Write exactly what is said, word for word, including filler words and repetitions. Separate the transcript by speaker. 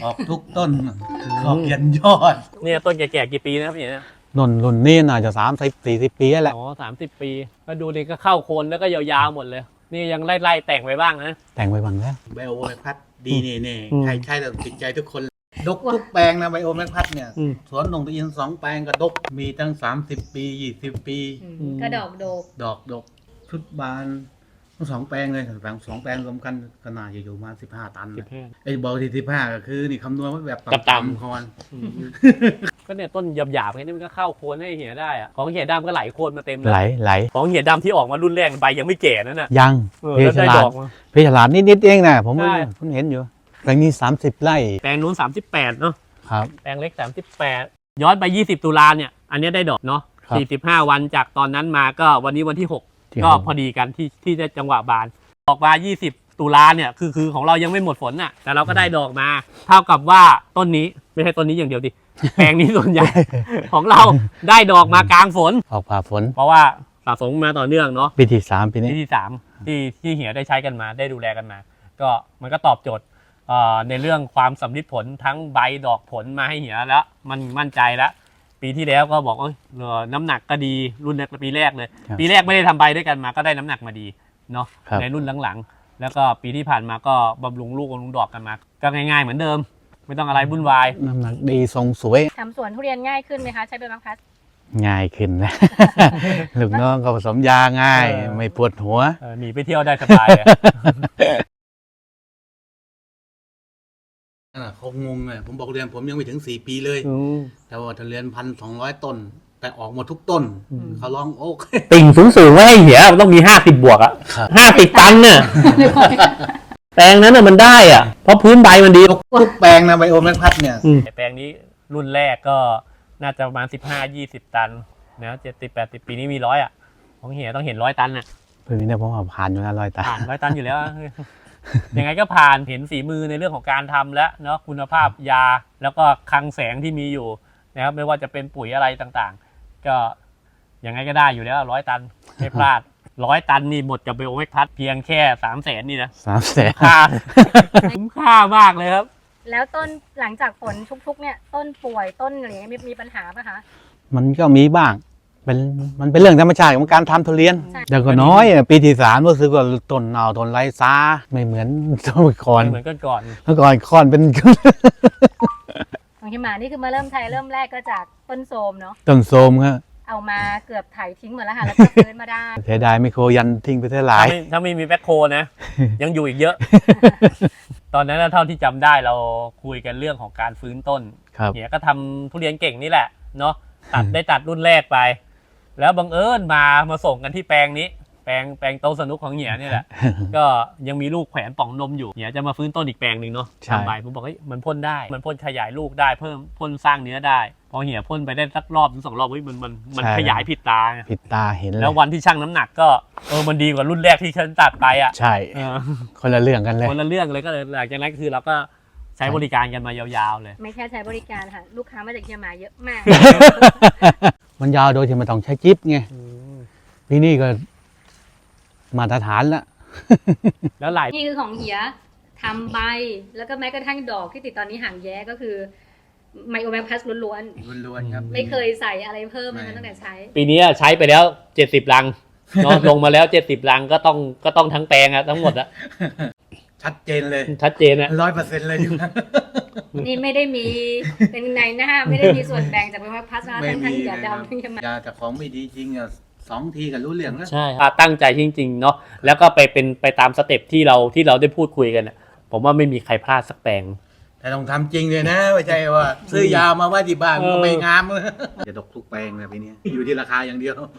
Speaker 1: ออกทุกต้นออกยันยอด
Speaker 2: เนี่ยต้นแก่ๆกี่ปีนะครับเนี่ย
Speaker 3: นนรุ่นนี้น่าจะสามสิบสี่สิบปีแล้วแหละ
Speaker 2: อ๋อสามสิบปีก็ดูนี่ก็เข้าโคนแล้วก็ยาวๆหมดเลยนี่ยังไล่ๆแต่งไปบ้างนะ
Speaker 3: แต่งไปบ้างแล้ว
Speaker 1: ไบโอแมกพัดดีเน่ๆใครใช้แต่ติดใจทุกคนดกทุกแปลงนะไบโอแมกพัดเนี่ยสวนหนองตะอินสองแปลงก็ดกมีตั้งสามสิบปียี่สิบปี
Speaker 4: ก็ดอกดก
Speaker 1: ดอกดกชุดบานทั้งสองแปลงเลยแปลงสองแปลงรวมกันก็น่าจะอยู่มาสิบห้าตันไอ้บอกที่สิบห้าก็คือนี่คำนวณไว้แบบต่ำๆคอน
Speaker 2: ก็เนี่ยต้นหยาบๆแค่นี้มันก็เข้าโคนให้เหี่ยได้อะของเหี่ยดำก็ไหลโคนมาเต็ม
Speaker 3: ไหลไหล
Speaker 2: ของเหี่ยดำที่ออกมารุ่นแรกใบยังไม่แก่นั่นน่ะ
Speaker 3: ยัง
Speaker 2: เพชรฉลาด
Speaker 3: เพชรฉลาดนิดๆเองนะผมเพิ่งเห็นอยู่แปลงนี้สามสิบไร่
Speaker 2: แปลงนู้นสามสิบแปดเนาะ
Speaker 3: ครับ
Speaker 2: แปลงเล็กสามสิบแปดย้อนไปยี่สิบตุลาเนี่ยอันนี้ได้ดอกเนาะสี่สิบห้าวันจากตอนนั้นมาก็วันนี้วันที่หกก็พอดีกันที่ที่ได้จังหวะบานออกมายี่สิบตุลาเนี่ยคือคือของเรายังไม่หมดฝนน่ะแต่เราก็ได้ดอกมาเท่ากับว่าต้นนี้ไม่ใช่ต้นนี้อย่างเดียวดิแปลงนี้ส่วนใหญ่ของเราได้ดอกมากลางฝน
Speaker 3: ออกผ่าฝน
Speaker 2: เพราะว่าสะสมมาต่อเนื่องเนาะ
Speaker 3: ปีที่สามปีนี้
Speaker 2: ปีที่สามที่ที่เหี่ยได้ใช้กันมาได้ดูแลกันมาก็มันก็ตอบโจทย์ในเรื่องความสำลิดผลทั้งใบดอกผลมาให้เหี่ยแล้วมันมั่นใจแล้วปีที่แล้วก็บอกว่าน้ำหนักก็ดีรุ่นปีแรกเลยปีแรกไม่ได้ทำใบด้วยกันมาก็ได้น้ำหนักมาดีเนาะในรุ่นหลังๆแล้วก็ปีที่ผ่านมาก็บำรุงลูกบำรุงดอกกันมาก็ง่ายๆเหมือนเดิมไม่ต้องอะไรวุ่นวาย
Speaker 3: น้ำหนักดีทรงสวย
Speaker 4: ทำสวนทุเรียนง่ายขึ้นไหมคะใช้ใบมะพร้าว
Speaker 3: ง่ายขึ้นแล้วลูกน้องก็ผสมยาง่ายไม่ปวดหัว
Speaker 2: หนีไปเที่ยวได้สบาย
Speaker 1: เขางงเลยผมบอกเรียนผมยังไม่ถึงสี่ปีเลยแต่ว่าทุเรียนพันสองร้อยต้นแต่ออกหมดทุกต้นเขาลองโอ๊ก
Speaker 2: ติ่งสูงๆไว้ให้เหี่ยมันต้องมีห้าสิบบวกอ่ะห้าสิบตันเนี่ยแปลงนั้นน่ะมันได้อ่ะเพราะพื้นใบมันดี
Speaker 1: ทุกแปลงนะไบโอแมกพัดเนี่ย
Speaker 2: แปลงนี้รุ่นแรกก็น่าจะประมาณสิบห้ายี่สิบตันนะเจ็ดสิบแปดสิบปีนี้มีร้อยอ่ะของเหี่ยต้องเห็นร้อยตันอ่ะ
Speaker 3: ปีนี้เนี่ยผมว่าผ่านอยู่แล้วร้อยตัน
Speaker 2: ผ่านร้อยตันอยู่แล้วยังไงก็ผ่านเห็นฝีมือในเรื่องของการทำแล้วเนาะคุณภาพยาแล้วก็คลังแสงที่มีอยู่นะครับไม่ว่าจะเป็นปุ๋ยอะไรต่างๆก็ยังไงก็ได้อยู่แล้วร้อยตันไม่พลาดร้อยตันนี่หมดกับไบโอแมกพัดเพียงแค่สามแสนนี่นะ
Speaker 3: สามแสน
Speaker 2: ค่าคุ้มค่ามากเลยครับ
Speaker 4: แล้วต้นหลังจากฝนชุกๆเนี่ยต้นป่วยต้นอะไรมีมีปัญหาป่ะคะ
Speaker 3: มันก็มีบ้างเป็นมันเป็นเรื่องธรรมชาติของการทำทุเรียนแต่ก็น้อยปีที่สามรู้สึกว่าต้นเน่าต้นไรซาไม่เหมือนต้นก่อน
Speaker 2: เหมือนก่อน
Speaker 3: เมื่อก่อนค่อนเป็น
Speaker 4: ของที่มานี่คือมาเริ่มไทยเริ่มแรกก็จากต้นโสมเนาะ
Speaker 3: ต้นโสมครับ
Speaker 4: เอามาเกือบไถทิ้งหมดแล้วค่ะแล้วก็ฟื้นมาได้
Speaker 3: เสียดายไมโครยันทิ้งไปเท่าไหร่
Speaker 2: ถ้าไม่มีแบ็คโคนะยังอยู่อีกเยอะตอนนั้นเท่าที่จำได้เราคุยกันเรื่องของการฟื้นต้นเนี่ยก็ทำทุเรียนเก่งนี่แหละเนาะตัดได้ตัดรุ่นแรกไปแล้วบังเอิญมามาส่งกันที่แปลงนี้แปลงแปลงโตสนุกของเหี่ยนี่แหละก็ยังมีลูกแขวนป่องนมอยู่เหี่ยจะมาฟื้นต้นอีกแปลงหนึ่งเนาะทำใบผมบอกเฮ้ยมันพ่นได้มันพ่นขยายลูกได้เพิ่มพ่นสร้างเนื้อได้พอเหี่ยพ่นไปได้สักรอบถึงสองรอบเฮ้ยมันมันมันขยายผิดตา
Speaker 3: ผิดตาเห็น
Speaker 2: แล้ววันที่ชั่งน้ำหนักก็เออมันดีกว่ารุ่นแรกที่ฉันตัดไปอ่ะ
Speaker 3: ใช่คนละเรื่องกันเลย
Speaker 2: คนละเรื่องเลยก็เลยหลังจากนั้นคือเราก็ใช้บริการกันมายาวๆเลย
Speaker 4: ไม่แค่ใช้บริการค่ะลูกค้ามาจากเชียงใหม่เยอะมาก
Speaker 3: มันยาวโดยที่ไม่ต้องใช้จิ๊บไงปีนี้ก็มาตรฐานแล้ว
Speaker 2: แล้วหลาย
Speaker 4: นี่คือของเหี่ยทำใบแล้วก็แม้กระทั่งดอกที่ติดตอนนี้ห่างแย้ก็คือไมโอแมกพัสล้วน
Speaker 1: ๆล้วนๆครับ
Speaker 4: ไม่เคยใส่อะไรเพิ่มเลยตั้งแต่ใช้
Speaker 2: ปีนี้ใช้ไปแล้วเจ็ดสิบลังเนาะลงมาแล้วเจ็ดสิบลังก็ต้องก็ต้องทั้งแปลงอะทั้งหมดอะ
Speaker 1: ชัดเจนเลย
Speaker 2: ชัดเจนอะ
Speaker 1: ร้อยเปอร์เซ็นต์เลยอยู่
Speaker 4: นี่ไม่ได้มีเป็นในหน้าไม่ได้มีส่วนแบ่งจากไมโอแมกพัสนะทั้งทั้งเหี่ยดำทั้งเชียงใหม่
Speaker 1: ยาแต่ของไม่ดีจริงอะสองทีกันรู้เรื่องแล้ว
Speaker 2: ใช่ตั้งใจจริงๆเนาะแล้วก็ไปเป็นไปตามสเต็ปที่เราที่เราได้พูดคุยกันอะผมว่าไม่มีใครพลาดสักแปลง
Speaker 1: แต่ต้องทำจริงเลยนะไม่ใช่ว่าซื้อยามาไว้ที่บ้านก็ไม่งามจะดกทุกแปลงเลยปีนี้อยู่ที่ราคาอย่างเดียว